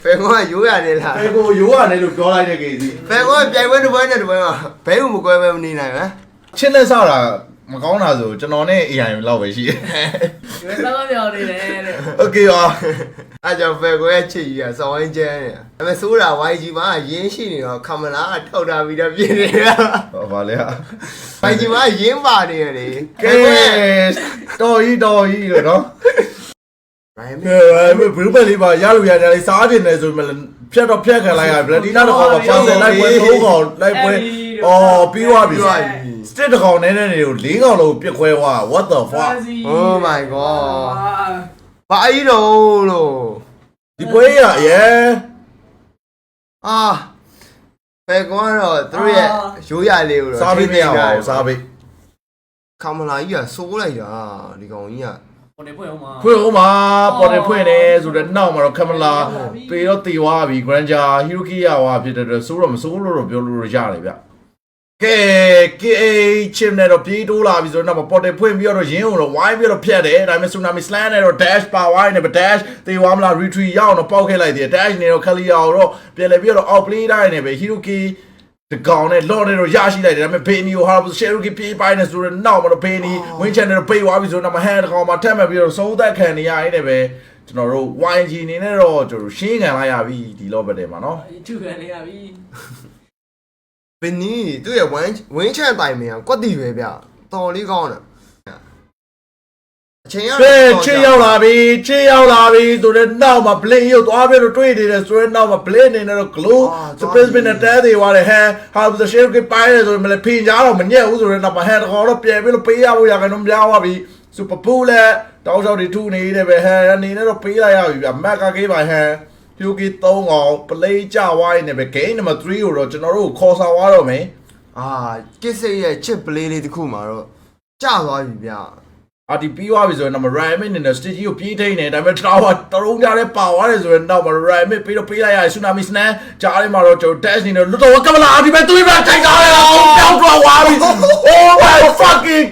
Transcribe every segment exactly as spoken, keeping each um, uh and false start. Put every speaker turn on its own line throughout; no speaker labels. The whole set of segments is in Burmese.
ဖယ်ကောရိုးရတယ်လား
ဖယ်ကိုရိုးရတယ်လို့ပြောလိုက်တဲ့ကေစီ
ဖယ်ကောပြိုင်ပွဲတစ်ပွဲနဲ့တစ်ပွဲမှာဘဲဦးမကွဲပဲမနေနိုင်ဘူး
ချစ်လက်ဆောက်တာမကောင်းတာဆိုကျွန်တော်နဲ့ A I လောက်ပဲရှိတယ်
ဒီမှာတော့ပြောနေတယ်တဲ့
Okay ပါ
အဲ့ကြောင့်ဖယ်ကောရဲ့ချစ်ကြီးကစောင်းဝင်းကျန်းနေတာဒါပေမဲ့ဆိုးတာ Y G မှာရင်းရှိနေတော့ကမလာထောက်တာပြီးတော့ပြင်နေတာ
ဟောပါလေဟာ
Y G မှာရင်းပါနေရလေ
ကဲတော်ကြီးတော်ကြီးလို့နော်
ရိုင်း
ကဲဘယ်ဘယ်လေးပါရလို့ရတယ်လေစားတင်တယ်ဆိုမှဖြတ်တော့ဖြတ်ခံလိုက်ရဗလက်ဒီနာတော့ပါပါဆယ်လိုက်ပွဲသုံးကောင်လိုက်ပွဲအော်ပြီးသွားပြီစတစ်တကောင်နဲ့နဲ့တွေကို၄ကောင်လုံးပြစ်ခွဲသွား what the fuck
oh my god ဘာအီတော့လို့
ဒီပွဲရရဲ
အာဖယ်ကောတော့သူတို့ရဲ့ရိုးရလေးကိုတော့
စားပြီးမရပါဘူးစားပြီး
ကမလာကြီးကစိုးလိုက်တာဒီကောင်ကြီးက
ပေါ်နေဖွင့်အောင်ပါ
ဖွင့်အောင်ပါပေါ်နေဖွင့်နေဆိုတော့နောက်မှာတော့ကမလာပေတော့တေသွားပြီ Granger Hiroki ရသွားဖြစ်တဲ့ဆိုတော့မစိုးလို့တော့ပြောလို့ရတယ်ဗျကဲကဲချစ်နဲ့တော့ပြေးတိုးလာပြီဆိုတော့ပေါ်တယ်ဖွင့်ပြီးတော့ရင်းအောင်တော့ဝိုင်းပြီးတော့ဖြတ်တယ်ဒါပေမဲ့ Tsunami Slam နဲ့တော့ dash ပါဝိုင်းနဲ့ dash တေဝါမလား retreat ရအောင်တော့ပေါက်ခဲ့လိုက်တယ် dash နဲ့တော့ခလီယာတော့ပြန်လဲပြီးတော့ out play တိုင်းနဲ့ပဲ Hiroki တကောင်နဲ့လော့နဲ့တော့ရရှိလိုက်တယ်ဒါပေမဲ့ဘေနီကိုဟာရှယ်ရူကီပြေးပိုင်းနေဆိုတော့နောက်မှာတော့ဘေနီဝင်းချန်နဲ့တော့ပိတ်သွားပြီဆိုတော့ဟန်တကောင်မှာထက်မှတ်ပြီးတော့သုံးသက်ခံနေရရင်လည်းပဲကျွန်တော်တို့ Y G အနေနဲ့တော့ကျွန်တော်ရှင်းခံလိုက်ရပြီဒီလော့ဘက်ထဲမှာနော်
ထုခံနေရပြီ
ဘယ်နည်းသူ့ရဲ့ဝင်းဝင်းချန်တိုင်မြန်ကွက်တီပဲဗျတော်လေးကောင်းတယ်အချိန်ရ
ချေရောက်လာပြီချေရောက်လာပြီဆိုတော့နောက်မှာ blade ရုပ်သွားပြီးတော့တွေ့နေတယ်ဆိုတော့နောက်မှာ blade အနေနဲ့တော့ glow space နဲ့တဲသေးသွားတယ်ဟန်ဟာဆိုရှယ်ကပိုင်းတယ်ဆိုတော့မလဲဖိညာတော့မညက်ဘူးဆိုတော့နောက်မှာဟန်တကောင်တော့ပြန်ပြီးတော့ပေးရဖို့ရခိုင်တော့များသွားပြီ super pool လဲတောက်လျှောက်တွေထုနေတယ်ပဲဟန်အနေနဲ့တော့ပေးလိုက်ရပြီဗျမက်ကကေးပါဟန်Yuki သုံးကောင် play ကြဝိုင်းနေပဲ game number three ကိုတော့ကျွန်တော်တို့ခေါ်ဆောင်သွားတော့မယ်
အာကစ်စိတ်ရဲ့ chip play လေးတစ်ခုမှာတော့ကျသွားပြီဗျ
အာဒီပြီးသွားပြီဆိုရင်တော့ Ryan နဲ့ stage ကိုပြေးထိန်နေဒါပေမဲ့ tower တရုံးကြတဲ့ပါသွားတယ်ဆိုရင်တော့ Ryan ပြီးတော့ပေးလိုက်ရ Tsunami Slam ကြားထဲမှာတော့ကျွန်တော် dash နေတော့လွတ်တော့ကမလာဒီမဲ့သူ့ဘက်ထိုင်သွားတယ်အောင်တောက်တော့သွားပြီ Oh my fucking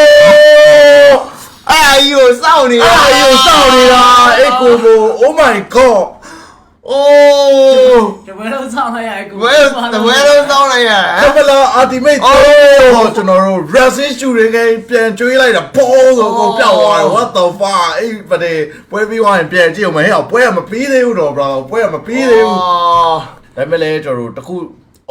god
အာယိုစောင့်နေတာ
အာယိုစောင့်နေတာအေးကိုကို Oh my god
โอ้
တပွဲလုံးစောင်းလိုက်ရကို
ဘယ်တပွဲလုံးစောင်းလိုက်ရ
ကမလာ ultimate โอ้ကျွန်တော်တို့ racing shooting game ပြန်ကျွေးလိုက်တာဘောဆိုကိုပျောက်သွားတယ် what the fuck အေးဗတဲ့ပွဲပြီးသွားရင်ပြန်ကြည့်အောင်မဟဲ့ပွဲကမပြီးသေးဘူးတော့ bro ပွဲကမပြီးသေးဘူးဒါပေမဲ့လည်းကျွန်တော်တို့တခု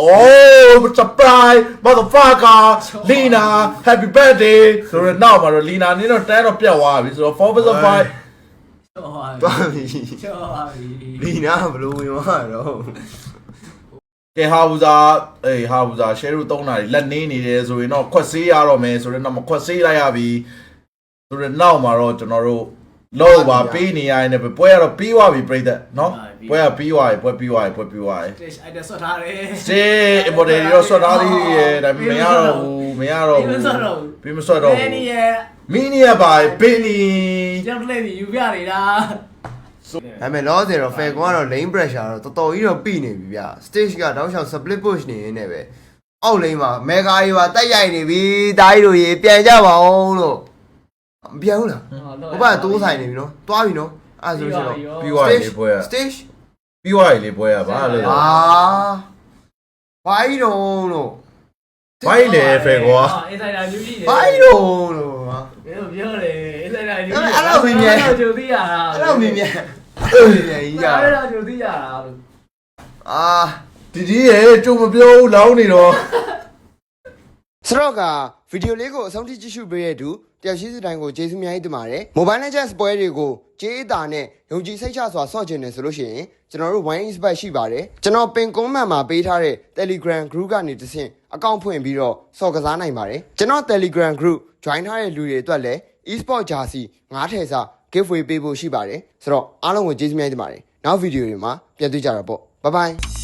Oh, surprise, motherfucker, Lina, happy birthday. So now, my Lina, you know, ten of your so four versus five.
သွားပြီ
ကျော်ပါပြီ
လီနာဘလို့ဝင်သွားတော့
ကဲဟာဘူးစားအေးဟာဘူးစားရှယ်ရူသုံးတာလက်နေနေတယ်ဆိုရင်တော့ခွက်ဆေးရတော့မယ်ဆိုတော့တော့မခွက်ဆေးလိုက်ရပြီဆိုတော့နောက်မှာတော့ကျွန်တော်တို့လောက်ပါပေးနေရရင်လည်းပွဲကတော့ပြီးသွားပြီပြိသက်နော်ပွဲကပြီးသွားပြီပွဲပြီးသွားပြီပွဲပြီးသွားပြီ
အဲ့ဒါဆွတ်ထားတယ်
စေအမေတွေရောဆွတ်ထားသေးရဲ့ဒါပေမဲ့မရတော့ဘူးမရတော့ဘူးပြီးမဆွတ်တော့ဘူးမင်းရဲ့မင်းရဲ့ပါဘင်းနီ
ကျောင်းလေးယူပြနေတာ
ဒါပေမဲ့လောဆယ်တော့ fair ကတော့ lane pressure တော့တော်တော်ကြီးတော့ပြိနေပြီဗျ stage ကတောက်လျှောက် split push နေနေပဲအောက် lane မှာ mega ကြီးပါတက်ရိုက်နေပြီတားကြီးတို့ရေပြန်ကြပါအောင်လို့မပြန်ဘူးလားဟိုဘက်တိုးဆိုင်နေပြီနော်တွားပြီနော်အဲ့ဆိုဆိုတော့
ပြီးသွားပြီပွဲက
stage
ပြီးသွားပြီပွဲကဘာလို့
အာဘိုင်းတော့လို့
ဘိုင်းလေဖေကွာ
အင်ဆိုင်တာယူကြီး
ဘိုင်းတော့လို့ဟာ
ဘယ်လိုပြောလဲအင်ဆိုင်တာယူကြီး
အဲ့လိုမင်းမြန်
ကြိုသိရတာ
အဲ့လိုမင်းမြန်အဲ့လိုမြန်ကြီးရ
အဲ့လိုကြိုသိရတာလို့
အာ
ဒီဒီရဲ့ကြုံမပြောဘူးလောင်းနေတော့
စတော့ကဗီဒီယိုလေးကိုအဆုံးထိကြည့်ရှုပေးရတဲ့သူတယောက်ရှိစတိုင်းကိုကျေးဇူးများတင်ပါတယ်။ Mobile Legends ပွဲတွေကိုကြေးအတာနဲ့ယုံကြည်စိတ်ချစွာဆော့ကျင်နေဆိုလို့ရှိရင်ကျွန်တော်တို့ one expert ရှိပါတယ်။ကျွန်တော်ပင်ကွန်မန့်မှာပေးထားတဲ့ Telegram group ကနေတဆင့်အကောင့်ဖွင့်ပြီးတော့ဆော့ကစားနိုင်ပါတယ်။ကျွန်တော် Telegram group join ထားတဲ့လူတွေအတွက်လည်း e-sport jersey ငါးထည်စာ giveaway ပေးဖို့ရှိပါတယ်။ဆိုတော့အားလုံးကိုကျေးဇူးများတင်ပါတယ်။နောက်ဗီဒီယိုတွေမှာပြန်တွေ့ကြတာပေါ့။ Bye bye